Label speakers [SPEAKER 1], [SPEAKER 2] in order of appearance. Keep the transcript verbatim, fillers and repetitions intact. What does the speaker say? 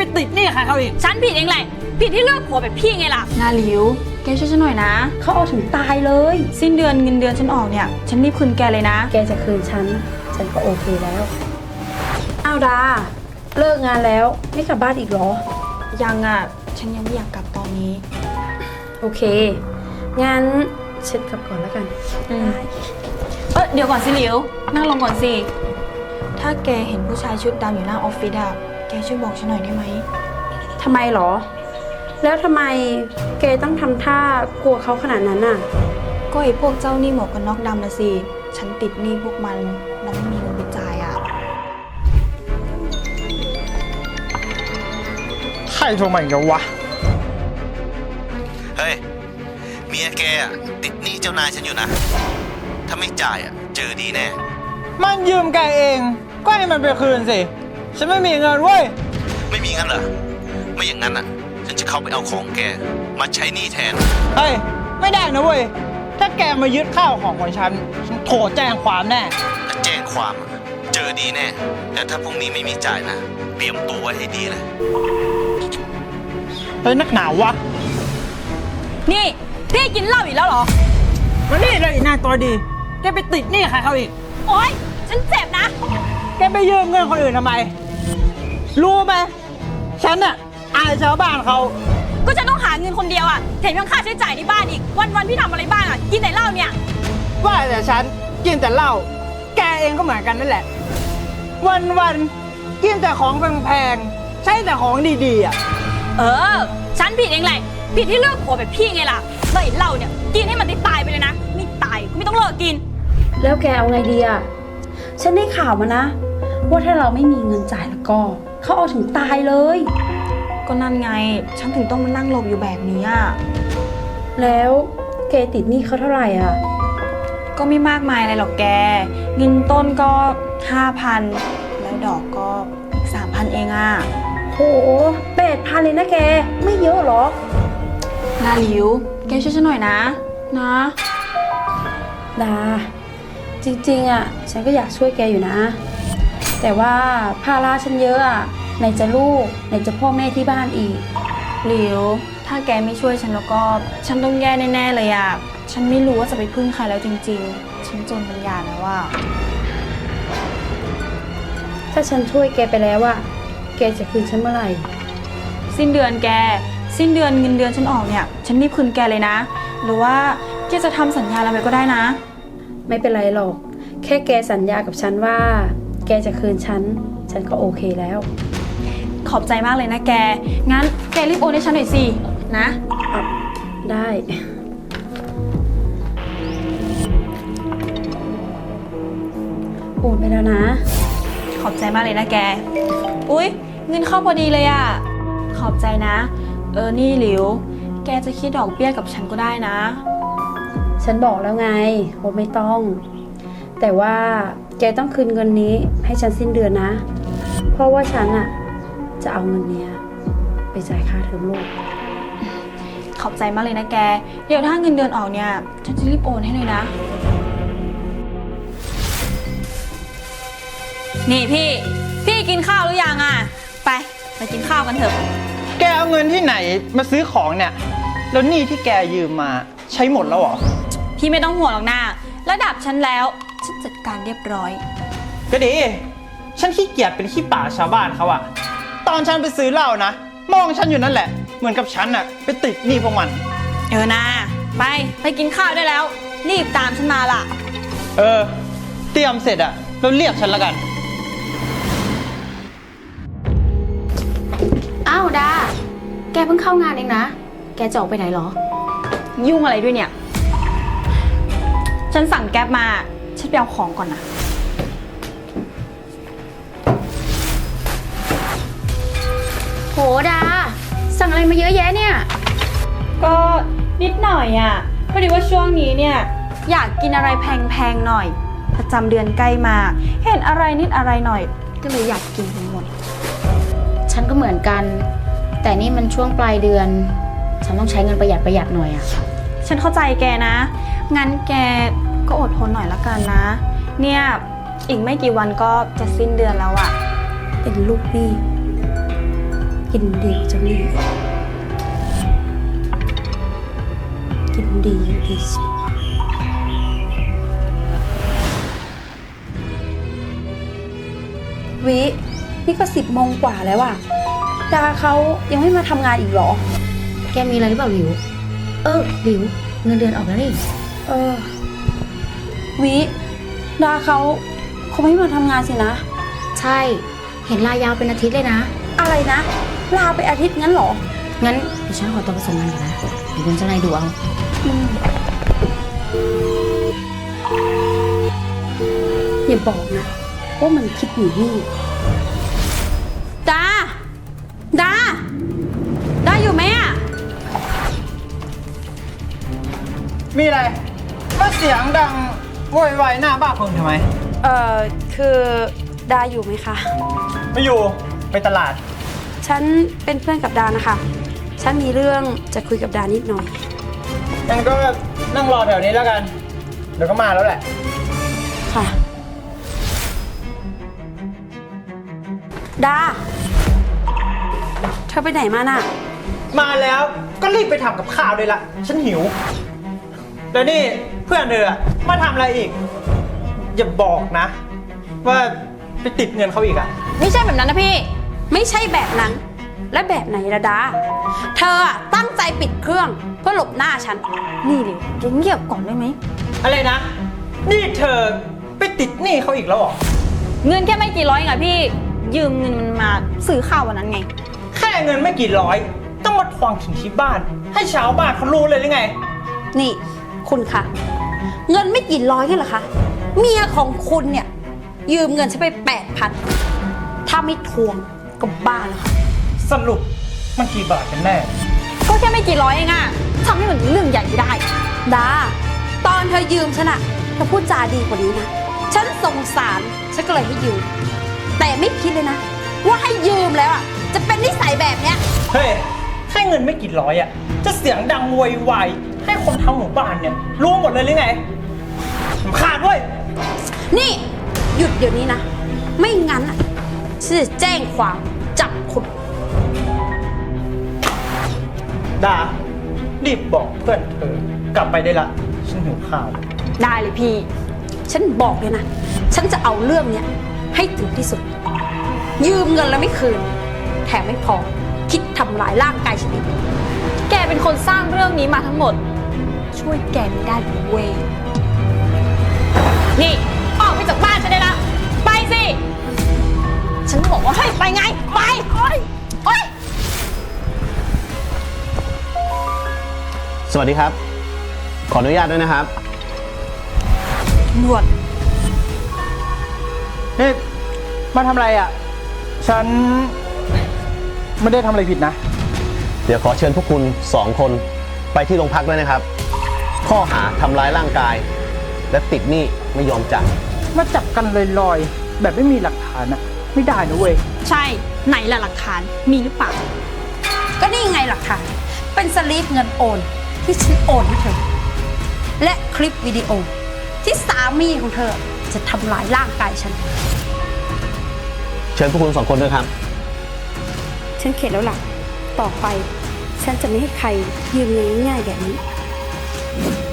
[SPEAKER 1] ไปติดหนี้ใครเขาอีก
[SPEAKER 2] ฉันผิดเองแหละผิดที่เลือกผัวแบบพี่ไงล่ะ
[SPEAKER 3] นาหลิวแกช่วยฉันหน่อยนะเขาเอาถึงตายเลยสิ้นเดือนเงินเดือนฉันออกเนี่ยฉันรีบคืนแกเลยนะ
[SPEAKER 4] แกจะคืนฉันฉันก็โอเคแล้วอ้าวดาเลิกงานแล้วไม่กลับบ้านอีกเหรอ
[SPEAKER 3] ยังอ่ะฉันยังไม่อยากกลับตอนนี้
[SPEAKER 4] โอเคงั้นฉันกลับก่อนแล้วกัน
[SPEAKER 3] อืมเออเดี๋ยวก่อนสิหลิวนั่งลงก่อนสิถ้าแกเห็นผู้ชายชุดดำอยู่หน้าออฟฟิศอะแกช่วยบอกฉันหน่อยได้ไหม
[SPEAKER 4] ทำไมหรอแล้วทำไมแกต้องทำท่ากลัวเขาขนาดนั้นน่ะ
[SPEAKER 3] ก็ไอ้พวกเจ้าหนี้หมวกกันน็อกดำนะสิฉันติดหนี้พวกมันแล้วไม่มีเงินไปจ่ายอะ
[SPEAKER 1] ใครโทรมาอีกแล้ววะ
[SPEAKER 5] เฮ้ยเมียแกติดหนี้เจ้านายฉันอยู่นะถ้าไม่จ่ายอ่ะเจอดีแน่
[SPEAKER 1] มันยืมแกเองก็ให้มันไปคืนสิฉันไม่มีเงินเว้ย
[SPEAKER 5] ไม่มีงั้นเหรอไม่อย่างนั้นอ่ะฉันจะเข้าไปเอาของแกมาใช้หนี้แทน
[SPEAKER 1] เฮ้ยไม่ได้นะเว้ยถ้าแกมายึดข้าวของของฉันฉันโทรแจ้งความแน่
[SPEAKER 5] ถ้าแจ้งความเจอดีแน่แต่ถ้าพรุ่งนี้ไม่มีจ่ายนะเตรียมตัวไว้ให้ดีเลย
[SPEAKER 1] เฮ้ยนักหนาวะ
[SPEAKER 2] นี่พี่กินเหล้าอีกแล้วเหรอ
[SPEAKER 1] วันนี้เลยอีนางตัวดีแกไปติดหนี้ใครเขาอีก
[SPEAKER 2] โอ๊ยฉันเจ็บนะ
[SPEAKER 1] แกไปยืมเงินคนอื่นทำไมรู้ไหมฉันอะอายชาวบ้านเขา
[SPEAKER 2] ก็ฉันต้องหาเงินคนเดียวอะแถมยังค่าใช้จ่ายในบ้านอีกวันๆพี่ทำอะไรบ้างอะกินแต่เหล้าเนี่ย
[SPEAKER 1] ว่าแต่ฉันกินแต่เหล้าแกเองก็เหมือนกันนั่นแหละวันๆกินแต่ของแพงๆใช้แต่ของดีๆอะ
[SPEAKER 2] เออฉันผิดเองแหละผิดที่เลือกผัวแบบพี่ไงล่ะเลยเหล้าเนี่ยกินให้มันได้ตายไปเลยนะไม่ตายก็ไม่ต้องเลิกกิน
[SPEAKER 4] แล้วแกเอาไงดีอะฉันได้ข่าวมานะว่าถ้าเราไม่มีเงินจ่ายแล้วก็เขาเอาถึงตายเลย
[SPEAKER 3] ก็นั่นไงฉันถึงต้องมานั่งหลบอยู่แบบนี้อ่ะ
[SPEAKER 4] แล้วแกติดหนี้เขาเท่าไหร่อ่ะ
[SPEAKER 3] ก็ไม่มากมายอะไรหรอกแกเงินต้นก็ห้าพันแล้วดอกก็อีกสามพันเองอ่ะ
[SPEAKER 4] โหแปดพันเลยนะแกไม่เยอะหรอ
[SPEAKER 3] นาหลิวแกช่วยฉันหน่อยนะนะ
[SPEAKER 4] ดาจริงๆอ่ะฉันก็อยากช่วยแกอยู่นะแต่ว่าภาระฉันเยอะอ่ะไหนจะลูกไหนจะพ่อแม่ที่บ้านอีก
[SPEAKER 3] หลิวถ้าแกไม่ช่วยฉันแล้วก็ฉันต้องแย่แน่ๆเลยอ่ะฉันไม่รู้ว่าจะไปพึ่งใครแล้วจริงๆฉันจนปัญญาแล้วว่า
[SPEAKER 4] ถ้าฉันช่วยแกไปแล้วอ่ะแกจะคืนฉันเมื่อไหร่
[SPEAKER 3] สิ้นเดือนแกสิ้นเดือนเงินเดือนฉันออกเนี่ยฉันรีบคืนแกเลยนะหรือว่าแกจะทำสัญญาอะไรก็ได้นะ
[SPEAKER 4] ไม่เป็นไรหรอกแค่แกสัญญากับฉันว่าแกจะคืนฉันฉันก็โอเคแล้ว
[SPEAKER 3] ขอบใจมากเลยนะแกงั้นแกรีบโอนให้ฉันหน่อยสินะ
[SPEAKER 4] ได้โอนไปแล้วนะ
[SPEAKER 3] ขอบใจมากเลยนะแกอุ๊ยเงินเข้าพอดีเลยอ่ะขอบใจนะเออนี่หลิวแกจะคิดดอกเบี้ยกับฉันก็ได้นะ
[SPEAKER 4] ฉันบอกแล้วไงว่าไม่ต้องแต่ว่าแกต้องคืนเงินนี้ให้ฉันสิ้นเดือนนะเพราะว่าฉันอะจะเอาเงินเนี้ยไปจ่ายค่าเทอมลูก
[SPEAKER 3] ขอบใจมากเลยนะแกเดี๋ยวถ้าเงินเดือนออกเนี่ยฉันจะรีบโอนให้เลยนะ
[SPEAKER 2] นี่พี่พี่กินข้าวหรือยังอ่ะไปไปกินข้าวกันเถอะ
[SPEAKER 1] แกเอาเงินที่ไหนมาซื้อของเนี่ยแล้วหนี้ที่แกยืมมาใช้หมดแล้วเหรอ
[SPEAKER 2] พี่ไม่ต้องห่วงหรอกนะระดับฉันแล้วฉันจัดการเรียบร้อย
[SPEAKER 1] ก็ดีฉันขี้เกียจเป็นขี้ป่าชาวบ้านเขาอะตอนฉันไปซื้อเหล้านะมองฉันอยู่นั่นแหละเหมือนกับฉันอะไปติดหนี้พวกมัน
[SPEAKER 2] เออนะไปไปกินข้าวได้แล้วรีบตามฉันมาล่ะ
[SPEAKER 1] เออเตรียมเสร็จอะแล้วเรียกฉันละกัน
[SPEAKER 4] อ้าวดาแกเพิ่งเข้างานเองนะแกจะออกไปไหนหรอ
[SPEAKER 3] ยุ่งอะไรด้วยเนี่ยฉันสั่งแก๊ปมาฉันไปเอาของก่อนนะ
[SPEAKER 4] โหดาสั่งอะไรมาเยอะแยะเนี่ย
[SPEAKER 3] ก็นิดหน่อยอ่ะพอดีว่าช่วงนี้เนี่ยอยากกินอะไรแพงๆหน่อยประจำเดือนใกล้มาเห็นอะไรนิดอะไรหน่อยก็เลยอยากกินไปหมด
[SPEAKER 4] ฉันก็เหมือนกันแต่นี่มันช่วงปลายเดือนฉันต้องใช้เงินประหยัดประหยัดหน่อยอ่ะ
[SPEAKER 3] ฉันเข้าใจแกนะงั้นแกก็อดทนหน่อยละกันนะเนี่ยอีกไม่กี่วันก็จะสิ้นเดือนแล้วอะ
[SPEAKER 4] เป็นลูกหนี้กินดีจังเลยกินดีอย่างดีสิวินี่ก็สิบโมงกว่าแล้วอะดาเขายังไม่มาทำงานอีกเหรอ
[SPEAKER 6] แกมีอะไรหรือเปล่าหลิว เออหลิว เงินเดือนออกแล้วนี่
[SPEAKER 4] เออ วิดาเขาคงไม่มาทำงานสินะ
[SPEAKER 6] ใช่ เห็นลายาวเป็นอาทิตย์เลยนะ
[SPEAKER 4] อะไรนะ ลาไปอาทิตย์งั้นเหรอ
[SPEAKER 6] งั้นเดี๋ยวฉันขอตัวไปส่งงานก่อนนะเดี๋ยวคุณเจ้านายดูเอา
[SPEAKER 4] อืมอย่าบอกนะ ว่ามันคิดหนีหนี่ดา ดา ดาอยู่ไหมอะ
[SPEAKER 1] มีอะไรมาเสียงดังโวยวายหน้าบ้านคนทำไม
[SPEAKER 4] เอ่อ คือดาอยู่ไหมคะ
[SPEAKER 1] ไม่อยู่ไปตลาด
[SPEAKER 4] ฉันเป็นเพื่อนกับดานะคะ ฉันมีเรื่องจะคุยกับดานิดหน่อย
[SPEAKER 1] งั้นก็นั่งรอแถวนี้แล้วกัน เดี๋ยวก็มาแล้วแหละ
[SPEAKER 4] ค่ะ ดา เธอไปไหนมาน่ะ
[SPEAKER 1] มาแล้วก็รีบไปทำกับข้าวเลยละฉันหิว แล้วนี่เพื่อนเธออะมาทำอะไรอีก อย่าบอกนะ ว่าไปติดเงินเขาอีกอะ
[SPEAKER 2] ไม่ใช่แบบนั้นนะพี่
[SPEAKER 4] ไม่ใช่แบบนั้น และแบบไหนละดา เธออะตั้งใจปิดเครื่องเพื่อหลบหน้าฉัน
[SPEAKER 3] นี่เลยจะเงียบก่อนได้ไหม
[SPEAKER 1] อะไรนะ นี่เธอไปติดหนี้เขาอีกแล้วเหรอ
[SPEAKER 2] เงินแค่ไม่กี่ร้อยเองอะพี่ ยืมเงินมันมาซื้อข้าววันนั้นไง
[SPEAKER 1] แค่เงินไม่กี่ร้อย ต้องมาทวงถึงที่บ้าน ให้ชาวบ้านเขารู้เลยหรือไง
[SPEAKER 4] นี่คุณคะ เงินไม่กี่ร้อยนี่เหรอคะ เมียของคุณเนี่ย ยืมเงินฉันไปแปดพันถ้าไม่ทวงก็บ้าแล้วค่ะ
[SPEAKER 1] สรุปมันกี่บาทกันแน่
[SPEAKER 2] ก็แค่ไม่กี่ร้อยเองอะทำให้มันเรื่องใหญ่ไม่ได้
[SPEAKER 4] ดา ตอนเธอยืมฉันอะเธอพูดจาดีกว่านี้นะ ฉันสงสาร ฉันก็เลยให้ยืม แต่ไม่คิดเลยนะ ว่าให้ยืมแล้วอะจะเป็นนิสัยแบบเนี้ย
[SPEAKER 1] เฮ้ย แค่เงินไม่กี่ร้อยอะจะเสียงดังโวยวายให้คนทั้งหมู่บ้านเนี่ยรู้หมดเลยหรือไงสำคัญด้วย
[SPEAKER 4] นี่ หยุดเดี๋ยวนี้นะ ไม่งั้นอะฉันจะแจ้งความจับคุณ
[SPEAKER 1] ดา รีบบอกเพื่อนเธอกลับไปได้ละ ฉันหิวข้าว
[SPEAKER 2] ได้เลยพี่
[SPEAKER 4] ฉันบอกเลยนะ ฉันจะเอาเรื่องเนี้ยให้ถึงที่สุด ยืมเงินแล้วไม่คืน แถมไม่พอ คิดทำลายร่างกายฉันอีก
[SPEAKER 2] แกเป็นคนสร้างเรื่องนี้มาทั้งหมด ช่วยแกไม่ได้เว้ย นี่ ออกไปจากบ้านฉันได้ละไปสิ ฉันบอกว่าให้ไปไง ไปโอ๊ยโอ๊ย
[SPEAKER 5] สวัสดีครับ ขออนุญาตด้วยนะครับ
[SPEAKER 4] หนวด
[SPEAKER 1] นี่ มาทำอะไรอะฉันไม่ได้ทำอะไรผิดนะ
[SPEAKER 5] เดี๋ยวขอเชิญพวกคุณสองคนไปที่โรงพักด้วยนะครับ ข้อหาทำร้ายร่างกาย และติดหนี้ไม่ยอมจ่าย
[SPEAKER 1] มาจับกันลอยๆ แบบไม่มีหลักฐานอะไม่ได้นะเว้ย
[SPEAKER 2] ใช่ ไหนล่ะหลักฐาน มีหรือเปล่า
[SPEAKER 4] ก็นี่ไงหลักฐาน เป็นสลิปเงินโอนที่ฉันโอนให้เธอ และคลิปวิดีโอที่สามีของเธอจะทำลายร่างกายฉัน
[SPEAKER 5] เชิญพวกคุณสองคนด้วยครับ
[SPEAKER 4] ฉันเข็ดแล้วล่ะ ต่อไป ฉันจะไม่ให้ใครยืมเงินง่ายๆแบบนี้